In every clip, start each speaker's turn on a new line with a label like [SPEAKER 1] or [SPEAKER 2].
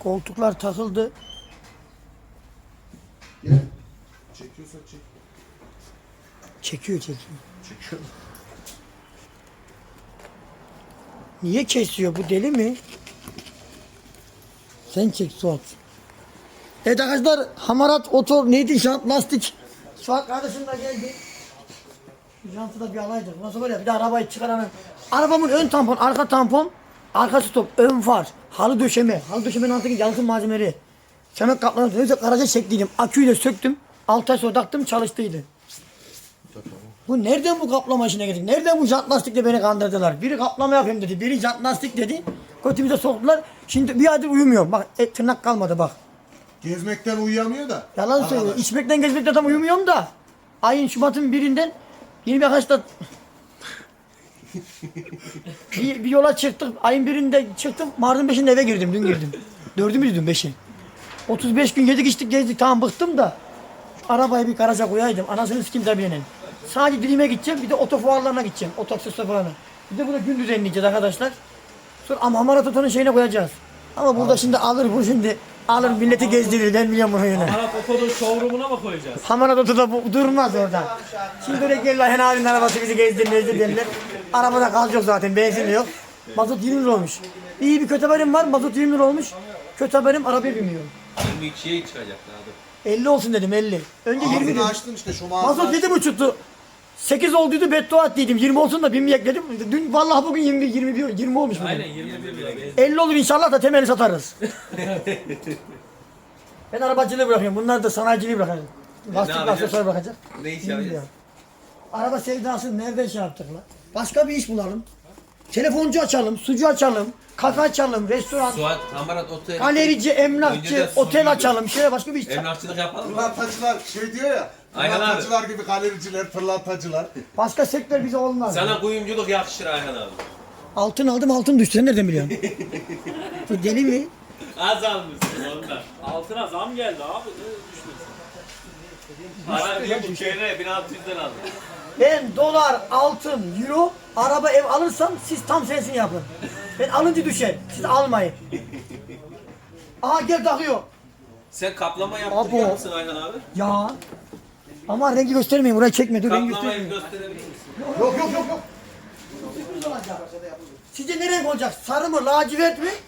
[SPEAKER 1] Koltuklar takıldı.
[SPEAKER 2] Gel. Çekiyorsa çek.
[SPEAKER 1] Çekiyor.
[SPEAKER 2] Çekiyor.
[SPEAKER 1] Niye kesiyor? Bu deli mi? Sen çek Suat. Evet arkadaşlar, hamarat otor neydi, jant lastik. Suat kardeşim de geldi. Jantı da bir alaydık. Nasıl böyle bir de arabayı çıkaranın. Arabamın ön tampon, arka tampon, arka stop, ön far, halı döşeme. Halı döşemenin altındaki yalıtım malzemeleri. Semet kaplanan neyse garaja çektiydim. Aküyü de söktüm. 6 ay sonra taktım, çalıştıydı. Bu nereden bu kaplama işine geldik? Nereden bu jant lastikle beni kandırdılar? Biri kaplama yapayım dedi, biri jant lastik dedi. Kötümüze soktular. Şimdi bir aydır uyumuyorum. Bak tırnak kalmadı bak.
[SPEAKER 2] Gezmekten uyuyamıyor da.
[SPEAKER 1] Yalan söylüyor. İçmekten gezmekten tam uyumuyorum da. Ayın Şubat'ın birinden yeni bir arkadaşla bir yola çıktık. Ayın birinde çıktım. Mart'ın 5'inde eve girdim. Dün girdim. 4'ü müydü dün 5'i? 35 gün yedik içtik gezdik. Tamam bıktım da. Şu arabayı bir garaja koyaydım. Anasını sikim tabi benim. Sadece Dilim'e gideceğim. Bir de otofuarlarına gideceğim. Otoaksesuar falan. Bir de burada gün düzenleyeceğiz arkadaşlar. Sonra ama Hamarat Oto'nun şeyine koyacağız. Ama burada şimdi alır bu şimdi. Alır milleti gezdirir. Ben biliyorum bunu yine.
[SPEAKER 3] Hamarat Oto'nun showroom'una mı koyacağız?
[SPEAKER 1] Hamarat Oto'da bu durmaz orada. Şimdi öyle gelirler Hen abinin arabası bizi gezdirir derler. Arabada gaz yok zaten, benzin yok. Mazot 20 lira olmuş. İyi bir kötü haberim var, mazot 20 lira olmuş. Kötü haberim, arabaya binmiyorum.
[SPEAKER 4] 22'ye çıkacak abi.
[SPEAKER 1] 50 olsun dedim, 50. Önce 20 dedim.
[SPEAKER 2] Ağzını açtın işte şu mağazını
[SPEAKER 1] Mazot 7,5'tu. 8 olduydu, beddua ettiydim. 20 olsun da binmeyek dedim. Dün vallahi bugün 20 olmuş bugün.
[SPEAKER 4] Aynen 21 lira.
[SPEAKER 1] 50 olur inşallah da temeli satarız. Ben arabacılığı bırakıyorum. Bunlar da sanayiciliği bırakacak. Lastik
[SPEAKER 4] yapacağız?
[SPEAKER 1] aksesuar bırakacak.
[SPEAKER 4] Ne iş
[SPEAKER 1] Bilmiyorum.
[SPEAKER 4] yapacağız?
[SPEAKER 1] Araba sevdasını nereden şey yaptık lan? Başka bir iş bulalım. Telefoncu açalım, sucu açalım, kafe açalım, restoran,
[SPEAKER 4] Suat, Hamarat Oto'ya
[SPEAKER 1] galerici, emlakçı,
[SPEAKER 4] Önceden
[SPEAKER 1] otel
[SPEAKER 4] sucu-
[SPEAKER 1] açalım. Şöyle başka bir iş.
[SPEAKER 4] emlakçılık yapalım mı?
[SPEAKER 2] Pırlantacılar şey diyor ya.
[SPEAKER 4] Aynen abi.
[SPEAKER 2] Pırlantacılar gibi galericiler, pırlantacılar.
[SPEAKER 1] Başka sektör bize olmaz.
[SPEAKER 4] Sana kuyumculuk yakışır Ayhan abi.
[SPEAKER 1] Altın aldım, altın düştü. Sen nereden biliyorsun? Bu deli mi?
[SPEAKER 4] Az almışsın ondan.
[SPEAKER 3] Altına zam geldi abi. Ne düşünüyorsun?
[SPEAKER 4] Para diyor bu köyre 1600'den aldım.
[SPEAKER 1] Ben dolar, altın, euro, araba, ev alırsam siz tam sensin yapın. Ben alınca düşer. Siz almayın. Aha gel takıyor.
[SPEAKER 4] Sen kaplama
[SPEAKER 1] Abo.
[SPEAKER 4] yaptırıyor musun Ayhan abi?
[SPEAKER 1] Ya. Ama rengi göstermeyin. Burayı çekme. Dur rengi
[SPEAKER 4] Kaplamayı
[SPEAKER 1] göstermeyin.
[SPEAKER 4] gösterebilir misin?
[SPEAKER 1] Yok. Sürpriz olacak. Sizce ne renk olacak? Sarı mı? Lacivert mi?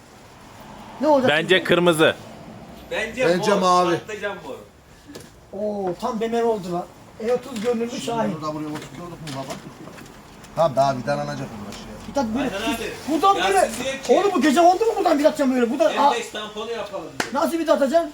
[SPEAKER 1] Ne olacak?
[SPEAKER 5] Bence kırmızı.
[SPEAKER 4] Bence mor,
[SPEAKER 2] mavi.
[SPEAKER 4] patlıcan mor.
[SPEAKER 1] Oo tam BMW oldu lan. E30 görünümlü Şahin.
[SPEAKER 2] Burada buraya oturtuyorduk mu baba? Tamam daha vidalanacak bunlar şey.
[SPEAKER 1] Bir tat böyle.
[SPEAKER 4] Ayhan abi.
[SPEAKER 1] Buradan
[SPEAKER 4] Ya
[SPEAKER 1] böyle.
[SPEAKER 4] siz diyor ki-
[SPEAKER 1] Oğlum bu gece oldu mu buradan bir atacağım böyle? Buradan
[SPEAKER 4] Endeks tamponu yapalım diyor.
[SPEAKER 1] nasıl bir atacağım?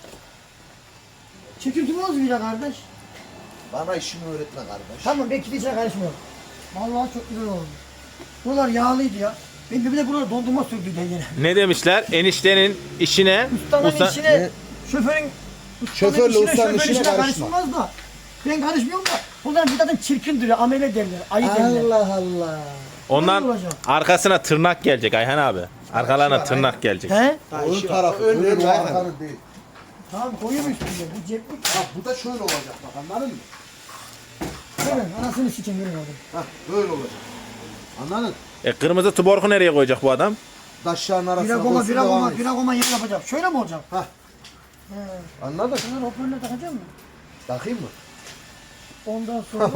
[SPEAKER 1] Çekimsi mi oldu bir kardeş?
[SPEAKER 2] Bana işimi öğretme kardeş.
[SPEAKER 1] Tamam belki de içine karışmıyor. Vallahi çok güzel oldu. Buralar yağlıydı ya. Ben bir de buralar dondurma sürdü de yine.
[SPEAKER 5] Ne demişler? Eniştenin işine
[SPEAKER 1] Ustanın
[SPEAKER 5] usta-
[SPEAKER 1] işine, şoförün
[SPEAKER 2] Şoförle ustanın işine karışma.
[SPEAKER 1] karışmaz da. Ben karışmıyorum da. Bunlar bir zaten çirkin duruyor, amele derler, ayı derler.
[SPEAKER 2] Allah Allah.
[SPEAKER 5] ondan
[SPEAKER 1] Ne olacak?
[SPEAKER 5] arkasına tırnak gelecek Ayhan abi. Arkalarına tırnak gelecek.
[SPEAKER 1] He?
[SPEAKER 2] Ön tarafı, ön arkanı değil.
[SPEAKER 1] Tamam koyuyorum üstüne, bu ceplik.
[SPEAKER 2] Bak bu da şöyle olacak bak anladın mı?
[SPEAKER 1] Görün, anasını sikeyim görün oğlum.
[SPEAKER 2] Hah böyle olacak. Anladın?
[SPEAKER 5] Kırmızı tuborgu nereye koyacak bu adam?
[SPEAKER 2] Taşların arasına
[SPEAKER 1] Bira goma,
[SPEAKER 2] koysun
[SPEAKER 1] bira
[SPEAKER 2] devam
[SPEAKER 1] goma,
[SPEAKER 2] etsin.
[SPEAKER 1] bira goma yeri yapacağım. Şöyle mi olacak?
[SPEAKER 2] Hah. Anladın?
[SPEAKER 1] Şunları hoparlöre takacağım mı?
[SPEAKER 2] Takayım mı?
[SPEAKER 1] Ondan sonra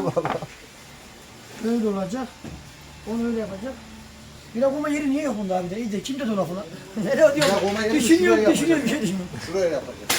[SPEAKER 1] böyle olacak. Onu öyle yapacak. Bira goma yeri niye yok bunda abi de? İyice kim dedi o lafı lan? Nereye diyor?
[SPEAKER 2] Bira goma yeri
[SPEAKER 1] Düşünüyorum,
[SPEAKER 2] şuraya
[SPEAKER 1] düşünüyorum, bir şey düşünüyorum.
[SPEAKER 2] Şuraya yapacağız.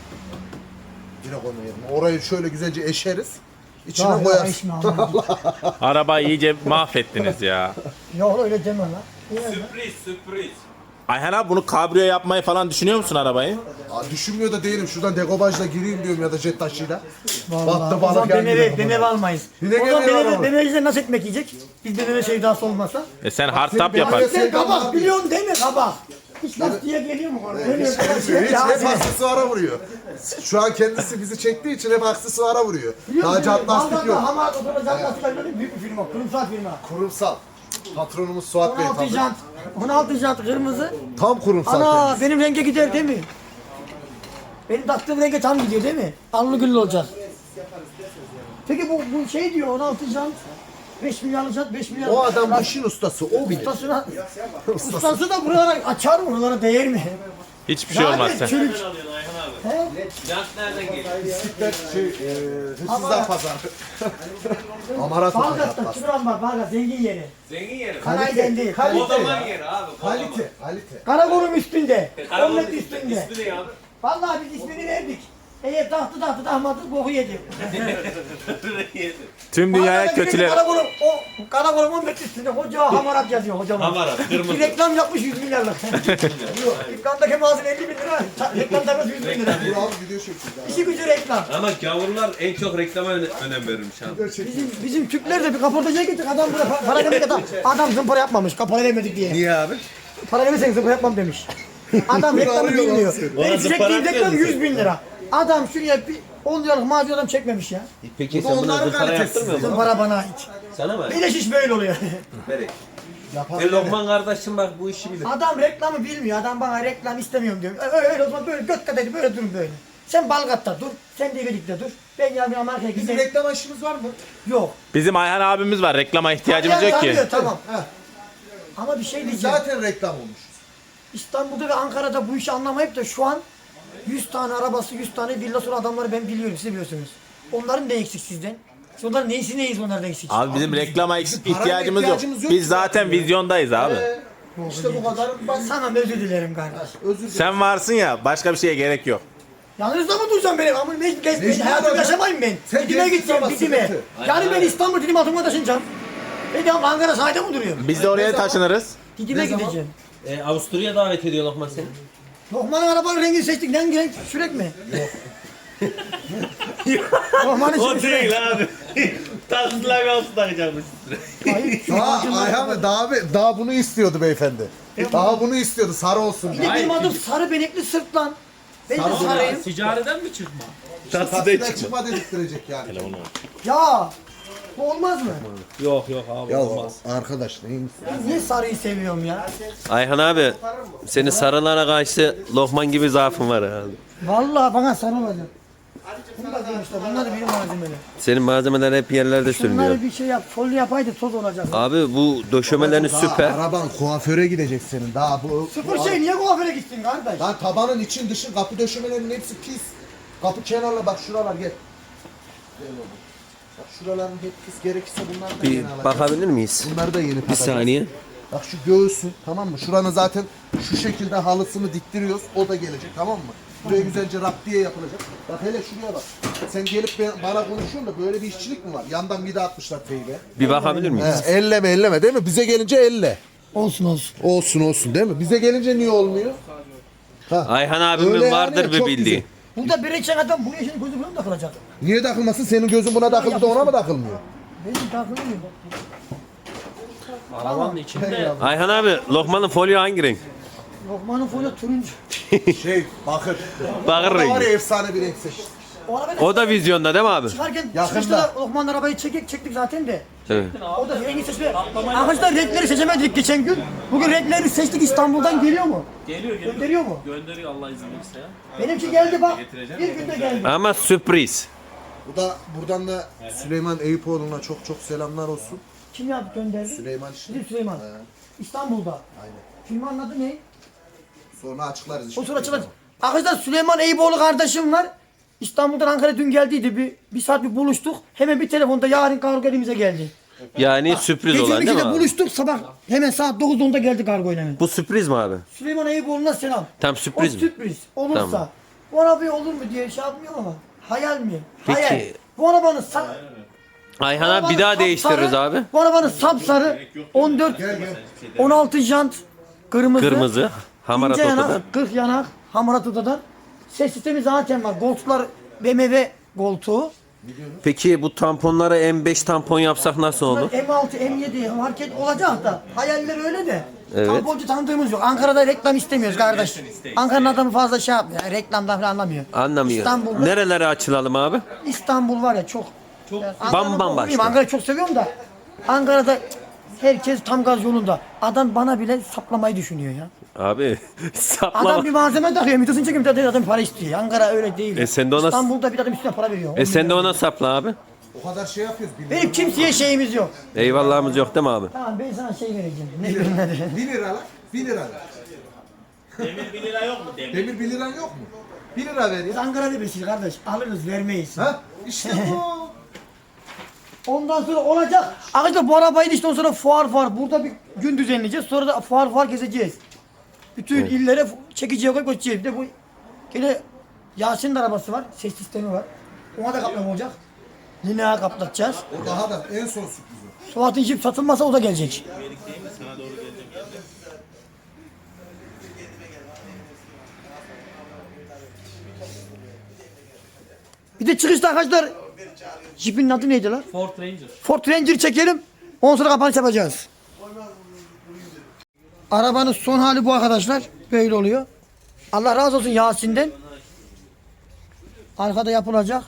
[SPEAKER 2] Yine koyma yerine. Orayı şöyle güzelce eşeriz. İçine
[SPEAKER 1] Ya
[SPEAKER 2] koyarsın.
[SPEAKER 1] eşme Allah'ım.
[SPEAKER 5] Arabayı iyice mahvettiniz ya.
[SPEAKER 1] Ya öyle deme lan. İyi lan.
[SPEAKER 4] Sürpriz.
[SPEAKER 5] Ayhan abi bunu kabriyo yapmayı falan düşünüyor musun arabayı?
[SPEAKER 2] Aa, düşünmüyor da değilim. Şuradan degobajla gireyim diyorum ya da jet taşıyla.
[SPEAKER 1] Vallahi.
[SPEAKER 2] Battı
[SPEAKER 1] O
[SPEAKER 2] balık
[SPEAKER 1] zaman
[SPEAKER 2] yan
[SPEAKER 1] BMW,
[SPEAKER 2] gibi.
[SPEAKER 1] BMW almayız.
[SPEAKER 2] Yine
[SPEAKER 1] O zaman
[SPEAKER 2] BMW
[SPEAKER 1] BMW,
[SPEAKER 2] alalım.
[SPEAKER 1] BMW'den nasıl ekmek yiyecek? Biz BMW sevdası olmasa.
[SPEAKER 5] Sen hardtop
[SPEAKER 2] benim-
[SPEAKER 5] yaparsın.
[SPEAKER 1] Sen
[SPEAKER 2] Sen
[SPEAKER 1] kabak
[SPEAKER 2] abi.
[SPEAKER 1] biliyorsun değil mi kabak? Hiç lastiğe geliyor mu konu? Öyle
[SPEAKER 2] Hiç gelmiyor. Hiç
[SPEAKER 1] Ya
[SPEAKER 2] hep
[SPEAKER 1] sen-
[SPEAKER 2] aksesuara vuruyor. Şu an kendisi bizi çektiği için hep aksesuara vuruyor.
[SPEAKER 1] Biliyor musun?
[SPEAKER 2] Daha cat lastik
[SPEAKER 1] Vallahi
[SPEAKER 2] yok.
[SPEAKER 1] Hamarat Oto'da cat lastik var. Büyük bir firma, kurumsal firma.
[SPEAKER 2] Kurumsal. Patronumuz Suat Bey
[SPEAKER 1] 16
[SPEAKER 2] tabii.
[SPEAKER 1] jant, 16 jant kırmızı.
[SPEAKER 2] Tam kurumsal
[SPEAKER 1] Ana
[SPEAKER 2] kendisi.
[SPEAKER 1] benim renge gider değil mi? Benim taktığım renge tam gidiyor değil mi? Allı güllü olacak. Peki bu şey diyor 16 jant, 5 milyarlı jant, 5 milyar.
[SPEAKER 2] O adam bu işin ustası. O bilir.
[SPEAKER 1] Ustası da buralara açar mı? Buralara değer mi?
[SPEAKER 5] Hiçbir şey olmaz sen.
[SPEAKER 1] Çürük.
[SPEAKER 4] Nereden alıyorsun Ayhan abi?
[SPEAKER 1] He?
[SPEAKER 4] Jant nereden geliyor?
[SPEAKER 2] Bisiklet hırsızlar pazarı. Amarat
[SPEAKER 1] Balgat'ta
[SPEAKER 2] otoyat.
[SPEAKER 1] Çıburan var. Balgat zengin yeri.
[SPEAKER 4] Zengin yeri.
[SPEAKER 1] Kanayden değil.
[SPEAKER 4] Kodaman yeri abi. Kodaman.
[SPEAKER 2] Kalite.
[SPEAKER 1] Karakolun üstünde.
[SPEAKER 4] Karaman'ın
[SPEAKER 1] Omlet üstünde.
[SPEAKER 4] ismi ne abi?
[SPEAKER 1] Vallahi biz ismini verdik. Eğer tahtı dahmadı boku yedi.
[SPEAKER 5] Tüm dünyaya
[SPEAKER 1] Balgat'ta bir
[SPEAKER 5] kötüler.
[SPEAKER 1] Karakolun omlet üstünde koca hamarat yazıyor kocaman.
[SPEAKER 4] Hamarat, kırmızı.
[SPEAKER 1] Bir reklam yapmış 100 milyarlık. Reklamdaki mağazın 50 bin lira. Reklam tabii 100 bin lira.
[SPEAKER 2] Dur abi video çekiyoruz.
[SPEAKER 1] İşi gücü reklam.
[SPEAKER 4] Ama gavurlar en çok reklama önem verirmiş abi.
[SPEAKER 1] Bizim Türkler de bir kaportacıya gittik. Adam burada para vermek adam zımpara yapmamış. Kapora vermedik diye.
[SPEAKER 4] Niye abi?
[SPEAKER 1] Para vermesen zımpara yapmam demiş. Adam reklamı bilmiyor. Benim çektiğim reklam 100 bin lira. Adam şuraya bir 10 liralık mağaza adam çekmemiş ya.
[SPEAKER 4] Peki
[SPEAKER 2] Bu
[SPEAKER 4] sen buna
[SPEAKER 2] onların
[SPEAKER 4] zımpara
[SPEAKER 2] kalitesi.
[SPEAKER 4] yaptırmıyor musun?
[SPEAKER 1] Zımpara bana ait.
[SPEAKER 4] Sana mı?
[SPEAKER 1] Beleş iş böyle oluyor.
[SPEAKER 4] Berek. Lokman kardeşim bak bu işi bilir.
[SPEAKER 1] Adam reklamı bilmiyor. Adam bana reklam istemiyorum diyor. Öyle o zaman böyle göt kadar böyle durun böyle. Sen Balgat'ta dur. Sen Develik'te dur. Ben yarın Amerika'ya
[SPEAKER 2] Bizim
[SPEAKER 1] gideyim.
[SPEAKER 2] reklam işimiz var mı?
[SPEAKER 1] Yok.
[SPEAKER 5] Bizim Ayhan abimiz var. Reklama ihtiyacımız yok ki.
[SPEAKER 1] Tanıyor, tamam.
[SPEAKER 2] Heh.
[SPEAKER 1] Ama bir şey
[SPEAKER 2] Biz
[SPEAKER 1] diyeceğim.
[SPEAKER 2] zaten reklam olmuş.
[SPEAKER 1] İstanbul'da ve Ankara'da bu işi anlamayıp da şu an 100 tane arabası, 100 tane villası olan adamları ben biliyorum, siz biliyorsunuz. Onların ne eksik sizden? Siz onların neyisi neyiz onlardan eksik?
[SPEAKER 5] Abi bizim reklama ihtiyacımız yok.
[SPEAKER 2] ihtiyacımız yok
[SPEAKER 5] Biz
[SPEAKER 2] ki
[SPEAKER 5] zaten
[SPEAKER 2] zaten.
[SPEAKER 5] vizyondayız abi.
[SPEAKER 2] İşte bu kadar basit.
[SPEAKER 1] Sana özür dilerim kardeş.
[SPEAKER 2] Özür dilerim.
[SPEAKER 5] Sen varsın ya, başka bir şeye gerek yok.
[SPEAKER 1] Yalnız da mı duracağım benim? Ama ben
[SPEAKER 2] Mecbur
[SPEAKER 1] hayatımı
[SPEAKER 2] abi.
[SPEAKER 1] yaşamayayım ben.
[SPEAKER 2] Sen
[SPEAKER 1] Didim'e
[SPEAKER 2] gençsin
[SPEAKER 1] gideceğim,
[SPEAKER 2] ama
[SPEAKER 1] Didim'e.
[SPEAKER 2] sıkıntı.
[SPEAKER 1] Yani ben İstanbul Didim altına taşınacağım. Ben de Ankara sahilde mi duruyorum?
[SPEAKER 5] Biz de oraya taşınırız.
[SPEAKER 1] Didim'e
[SPEAKER 2] Ne zaman?
[SPEAKER 1] gideceğim.
[SPEAKER 4] Avusturya davet ediyor Lokman seni.
[SPEAKER 1] Lokman'ın arabanın rengini seçtik. Hangi renk? Sürek mi? Lokman'ın
[SPEAKER 4] O
[SPEAKER 1] sürek.
[SPEAKER 4] değil abi. Taksızlar bir altı takacakmış.
[SPEAKER 1] Hayır.
[SPEAKER 2] Ayhan Bey daha bunu istiyordu beyefendi. Daha bunu istiyordu sarı olsun
[SPEAKER 1] Bir
[SPEAKER 2] diye.
[SPEAKER 1] de benim adım sarı benekli sırt lan. Ben de sarıyım.
[SPEAKER 3] Ticareden mi çıkma?
[SPEAKER 2] Taksiden çıkma dedirttirecek yani.
[SPEAKER 1] Ya bu olmaz mı?
[SPEAKER 4] Yok abi.
[SPEAKER 2] Ya arkadaş neymiş?
[SPEAKER 1] Ben niye sarıyı seviyorum ya?
[SPEAKER 4] Ayhan abi senin sarılara karşı Lokman gibi zaafın var herhalde.
[SPEAKER 1] Vallahi bana sarı olacak. Bunu da demişler. Bunlar da benim malzemeler.
[SPEAKER 4] Senin malzemeler hep yerlerde sürünüyor.
[SPEAKER 1] Şunları bir şey yap. Folyo yapaydı toz olacak.
[SPEAKER 4] Abi bu döşemelerin süper.
[SPEAKER 2] Araban kuaföre gidecek senin. Daha bu.
[SPEAKER 1] Sıfır şey niye kuaföre gittin kardeş?
[SPEAKER 2] Lan tabanın için dışı kapı döşemelerinin hepsi pis. Kapı kenarla bak şuralar gel. Gel oğlum. Bak şuraların hep pis, gerekirse bunlar da
[SPEAKER 4] Bir
[SPEAKER 2] yeni alacağız.
[SPEAKER 4] bakabilir miyiz?
[SPEAKER 2] Bunları da yeni
[SPEAKER 4] Bir
[SPEAKER 2] takacağız.
[SPEAKER 4] saniye.
[SPEAKER 2] Bak şu göğsün tamam mı? Şuranın zaten şu şekilde halısını diktiriyoruz. O da gelecek tamam mı? Buraya güzelce raptiye yapılacak. Bak hele şuraya bak. Sen gelip bana konuşuyorsun da böyle bir işçilik mi var? Yandan vida atmışlar teybe.
[SPEAKER 4] Bir bakabilir miyiz?
[SPEAKER 2] Elleme değil mi? Bize gelince elle.
[SPEAKER 1] Olsun olsun.
[SPEAKER 2] Olsun değil mi? Bize gelince niye olmuyor?
[SPEAKER 4] Ayhan abimin
[SPEAKER 2] Öyle yani,
[SPEAKER 4] vardır bir
[SPEAKER 2] çok
[SPEAKER 4] bildiği.
[SPEAKER 1] Burada bir içen adam buraya şimdi gözü buna mı takılacak?
[SPEAKER 2] Niye takılmasın? Senin gözün buna takıldı da ona mı takılmıyor?
[SPEAKER 1] Benim takılmıyor.
[SPEAKER 3] Arabanın içinde
[SPEAKER 4] Ayhan abi Lokman'ın folyo hangi renk?
[SPEAKER 1] Lokman'ın folyo turuncu.
[SPEAKER 2] Bakır.
[SPEAKER 4] Bakır
[SPEAKER 2] Var ya
[SPEAKER 4] rengi.
[SPEAKER 2] efsane bir renk seçti.
[SPEAKER 1] O araba
[SPEAKER 4] O da vizyonda değil mi abi?
[SPEAKER 1] çıkarken
[SPEAKER 2] Yakında.
[SPEAKER 1] çıkışta da Lokman'ın arabayı çektik zaten de.
[SPEAKER 4] Evet.
[SPEAKER 1] O da rengi seçme. Arkadaşlar renkleri seçemedik geçen gün. Bugün renkleri seçtik, İstanbul'dan geliyor mu?
[SPEAKER 3] geliyor.
[SPEAKER 1] Gönderiyor mu?
[SPEAKER 3] Gönderiyor Allah izin verirse ya.
[SPEAKER 1] Benimki geldi bak. Bir günde geldi.
[SPEAKER 4] Ama sürpriz.
[SPEAKER 2] Bu da buradan da Süleyman Eyüpoğlu'na çok selamlar olsun.
[SPEAKER 1] Kim yaptı gönderdi?
[SPEAKER 2] Süleyman işte.
[SPEAKER 1] Bizim Süleyman. İstanbul'da.
[SPEAKER 2] Aynen.
[SPEAKER 1] Filmin adı ne?
[SPEAKER 2] Sonra açıklarız işte.
[SPEAKER 1] O sonra açılır. Arkadaşlar Süleyman Eyüboğlu kardeşim var. İstanbul'dan Ankara'ya dün geldiydi. Bir saat buluştuk. Hemen bir telefonda yarın kargo elimize geldi.
[SPEAKER 4] Yani sürpriz
[SPEAKER 1] Gece
[SPEAKER 4] olan değil mi
[SPEAKER 1] 12'de
[SPEAKER 4] abi?
[SPEAKER 1] buluştuk, sabah hemen saat 9'da geldi kargo hemen.
[SPEAKER 4] Bu sürpriz mi abi?
[SPEAKER 1] Süleyman Eyüboğlu'na selam.
[SPEAKER 4] Tam sürpriz
[SPEAKER 1] O
[SPEAKER 4] mi?
[SPEAKER 1] sürpriz olursa.
[SPEAKER 4] Tamam.
[SPEAKER 1] Bu araba olur mu diye şey yapmıyorum ama. Hayal mi?
[SPEAKER 4] Peki.
[SPEAKER 1] Hayal. Bu arabanın
[SPEAKER 4] Ayhan abi bir daha değiştiririz abi.
[SPEAKER 1] Bu arabanın sapsarı 14 16 jant kırmızı.
[SPEAKER 4] Kırmızı. Hamarat
[SPEAKER 1] İnce
[SPEAKER 4] otodan.
[SPEAKER 1] yanak, 40 yanak, hamarat otodan. Ses sistemi zaten var. Koltuklar BMW koltuğu.
[SPEAKER 4] Peki bu tamponlara M5 tampon yapsak nasıl olur?
[SPEAKER 1] M6, M7 market olacak da. Hayaller öyle de.
[SPEAKER 4] Evet.
[SPEAKER 1] Tamponcu tanıdığımız yok. Ankara'da reklam istemiyoruz kardeş. Ankara'nın adamı fazla şey yapmıyor. Yani reklamdan falan anlamıyor.
[SPEAKER 4] Anlamıyor.
[SPEAKER 1] İstanbul'da,
[SPEAKER 4] Nerelere açılalım abi?
[SPEAKER 1] İstanbul var ya çok. Yani Ankara'nın
[SPEAKER 4] bambaşka.
[SPEAKER 1] okuluyum, Ankara'yı çok seviyorum da. Ankara'da herkes tam gaz yolunda. Adam bana bile saplamayı düşünüyor ya.
[SPEAKER 4] Abi
[SPEAKER 1] Adam
[SPEAKER 4] saplama.
[SPEAKER 1] bir malzeme takıyor. Mitosunu çekiyor. Bir tane adam para istiyor. Ankara öyle değil.
[SPEAKER 4] Sen de ona-
[SPEAKER 1] İstanbul'da bir adam üstüne para veriyor.
[SPEAKER 4] Sen de ona sapla abi.
[SPEAKER 2] O kadar şey yapıyoruz.
[SPEAKER 1] Benim kimseye şeyimiz yok.
[SPEAKER 4] Eyvallahımız yok değil mi abi?
[SPEAKER 1] Tamam ben sana şey vereceğim. Ne bileyim ne
[SPEAKER 2] 1 lira lan. 1 lira lan.
[SPEAKER 5] Demir 1 lira yok mu demir?
[SPEAKER 2] Demir 1 liran yok mu? 1 lira ver
[SPEAKER 1] Biz
[SPEAKER 2] ya.
[SPEAKER 1] Ankara'da birisiyiz kardeş. Alırız vermeyiz.
[SPEAKER 2] Ha? İşte bu.
[SPEAKER 1] Ondan sonra olacak. Arkadaşlar bu arabayı da işte ondan sonra fuar. Burada bir gün düzenleyeceğiz. Sonra da fuar gezeceğiz. Bütün illere çekiciye koyup götüreceğiz. Bir de bu gene Yasin'in de arabası var. Ses sistemi var. Ona da kaplama olacak. Lineer kaplatacağız.
[SPEAKER 2] O daha da en son sürpriz o.
[SPEAKER 1] Suat'ın jip satılmasa o da gelecek. Bir de çıkışta arkadaşlar jipin adı neydi lan?
[SPEAKER 3] Ford Ranger.
[SPEAKER 1] Ford Ranger çekelim. Ondan sonra kapanış yapacağız. Arabanın son hali bu arkadaşlar. Böyle oluyor. Allah razı olsun Yasin'den. Arkada yapılacak.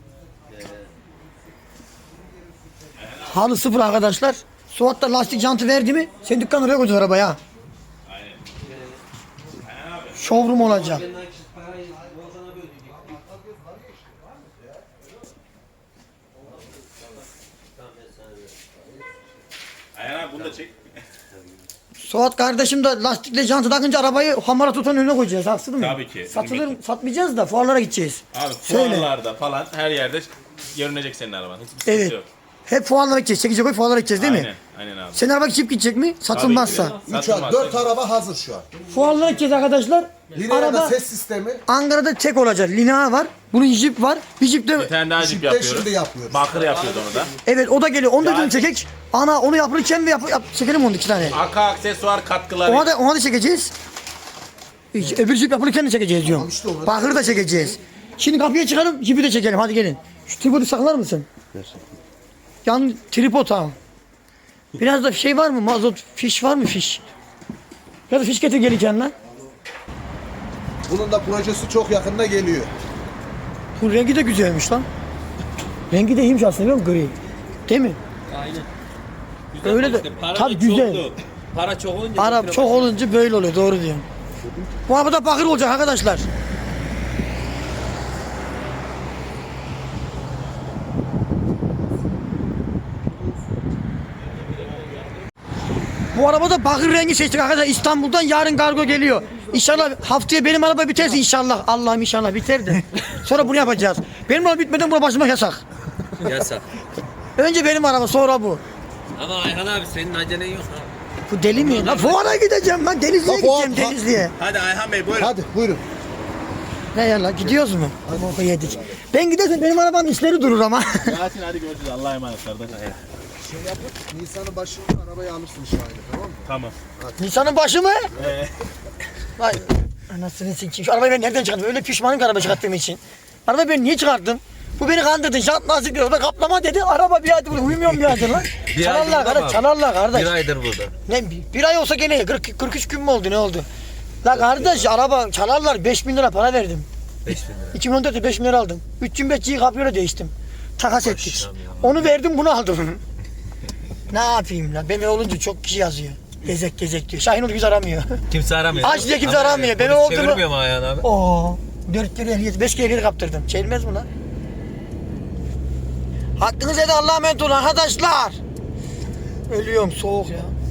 [SPEAKER 1] Halı sıfır arkadaşlar. Suat da lastik jantı verdi mi? Sen dükkan oraya koydun arabaya. Showroom olacak.
[SPEAKER 5] Ayhan abi bunu da çek.
[SPEAKER 1] Suat kardeşim de lastikle jantı takınca arabayı hamara tutan önüne koyacağız. Haksız mı?
[SPEAKER 5] Tabii ki.
[SPEAKER 1] Satılır, satmayacağız da fuarlara gideceğiz.
[SPEAKER 5] Abi
[SPEAKER 1] Söyle.
[SPEAKER 5] fuarlarda falan her yerde görünecek senin araban. Hiçbir sıkıntı
[SPEAKER 1] Evet.
[SPEAKER 5] yok.
[SPEAKER 1] Hep fuarlara gideceğiz. Çekici koy fuarlara gideceğiz değil mi?
[SPEAKER 5] Aynen. Aynen abi.
[SPEAKER 1] Senin araba çip gidecek mi? Satılmazsa.
[SPEAKER 5] Tabii ki.
[SPEAKER 2] 3
[SPEAKER 5] Satılmaz.
[SPEAKER 2] 4 araba hazır şu an.
[SPEAKER 1] Fuarlara gideceğiz arkadaşlar.
[SPEAKER 2] Lineer'de
[SPEAKER 1] Araba
[SPEAKER 2] ses sistemi.
[SPEAKER 1] Ankara'da tek olacak. Linea var. Bunun jip var. Bir jip de
[SPEAKER 5] Bir tane daha jip
[SPEAKER 2] Jip'te
[SPEAKER 5] yapıyoruz.
[SPEAKER 2] şimdi yapıyoruz.
[SPEAKER 5] Bakır yapıyordu onu da.
[SPEAKER 1] evet o da geliyor. Onu da
[SPEAKER 5] Yani-
[SPEAKER 1] dün çekek. Ana onu yapılırken ve çekelim onu 2 tane.
[SPEAKER 5] Arka aksesuar katkıları.
[SPEAKER 1] Ona da çekeceğiz. Öbür jip yapılırken de çekeceğiz diyorum.
[SPEAKER 2] Tamam işte onu.
[SPEAKER 1] Bakırı da çekeceğiz. Şimdi kapıya çıkalım, jipi de çekelim. Hadi gelin. Şu tripodu saklar mısın? Yan tripod ha. Biraz da şey var mı? Mazot, fiş var mı fiş? Biraz da fiş getir gelirken lan.
[SPEAKER 2] Bunun da projesi çok yakında geliyor.
[SPEAKER 1] Bu rengi de güzelmiş lan. Rengi de iyiymiş aslında biliyor musun? Gri. Değil mi?
[SPEAKER 3] Aynen.
[SPEAKER 1] Öyle de.
[SPEAKER 3] Para
[SPEAKER 1] Tabii
[SPEAKER 3] da
[SPEAKER 1] güzel.
[SPEAKER 3] çoktu. Para çok olunca.
[SPEAKER 1] Arap çok olunca böyle oluyor. Doğru diyorsun. Bu arabada bakır olacak arkadaşlar. Bu arabada bakır rengi seçtik arkadaşlar. İstanbul'dan yarın kargo geliyor. İnşallah haftaya benim araba biterse inşallah. Allah'ım inşallah biter de. Sonra bunu yapacağız. Benim araba bitmeden buna başlamak yasak.
[SPEAKER 4] Yasak.
[SPEAKER 1] Önce benim araba sonra bu.
[SPEAKER 4] Ama Ayhan abi senin acelen yok ha.
[SPEAKER 1] Bu deli mi? Lan fuara gideceğim lan. Denizli'ye
[SPEAKER 2] Ha, fuar-
[SPEAKER 1] gideceğim Denizli'ye.
[SPEAKER 5] Hadi Ayhan Bey buyurun.
[SPEAKER 2] Hadi buyurun.
[SPEAKER 1] Ne ya lan gidiyoruz mu? Boku yedik. Ben gidersem benim arabanın işleri durur ama.
[SPEAKER 5] Yasin hadi görüşürüz. Allah'a emanet kardeş.
[SPEAKER 2] Nisan'ın başında arabayı alırsın şahane, tamam mı?
[SPEAKER 5] Tamam.
[SPEAKER 1] Nisan'ın başı mı? Vay anasını sikeyim. Şu arabayı ben nereden çıkarttım? Öyle pişmanım ki araba çıkarttığım için. Arabayı ben niye çıkarttım? Bu beni kandırdı. Jant lastik diyor. O da kaplama dedi. Araba bir aydır burada. Uyumuyorum bir aydır lan. Çalarlar kardeş. Çalarlar kardeş.
[SPEAKER 4] aydır burada.
[SPEAKER 1] Ne bir ay olsa gene 43 gün mü oldu ne oldu? La kardeş araba çalarlar 5.000 lira para verdim.
[SPEAKER 4] 5.000 lira.
[SPEAKER 1] 2014'te 5.000 lira aldım. 325G'yi kapriyola değiştim. Takas ettik. Onu verdim bunu aldım. Ne yapayım la? BMW olunca çok kişi yazıyor. Gezek diyor. Şahinoğlu bizi aramıyor.
[SPEAKER 4] Kimse aramıyor.
[SPEAKER 1] Aç diye kimse aramıyor. BMW oldu mu?
[SPEAKER 4] Çevirmiyor mu Ayhan abi?
[SPEAKER 1] Oo. 4 kere ehliyet, 5 kere ehliyet kaptırdım. Çevirmez mi lan? Hakkınızı edin Allah'a emanet olun arkadaşlar. Ölüyorum soğuk ya.